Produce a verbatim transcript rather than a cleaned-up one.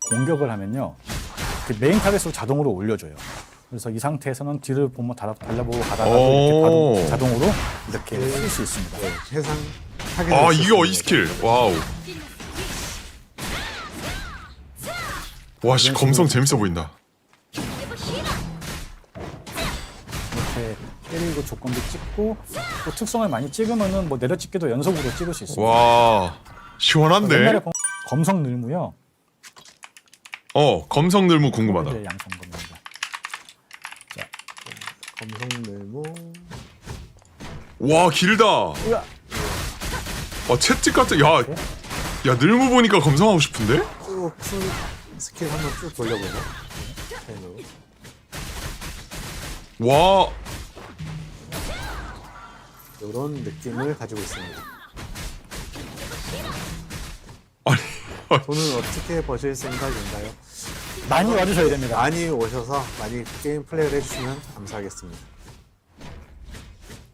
공격을 하면요, 그 메인 타겟으로 자동으로 올려줘요. 그래서 이 상태에서는 뒤를 보면 달아, 달려보고 가다가도 이렇게 바로 자동으로 이렇게 쓸 수 있습니다. 네, 해상 타겟. 아 이게 어이 스킬. 와우. 와씨 검성 재밌어 보인다. 이렇게 때리고 조건도 찍고 또 특성을 많이 찍으면은 뭐 내려찍기도 연속으로 찍을 수 있습니다. 와 시원한데. 옛날에 검- 검성 늘무요. 어 검성 늘무 궁금하다. 이제 양성 검입니다. 검성늘무. 와 길다. 으아! 와 채찍 같은. 야, 야 늘무 보니까 검성하고 싶은데? 쭉풀 스킬 한번 쭉 돌려보죠. 펜으로. 와. 이런 느낌을 가지고 있습니다. 아니. 돈은 어떻게 버실 생각인가요? 많이 와주셔야 됩니다. 많이 오셔서 많이 게임 플레이를 해주시면 감사하겠습니다.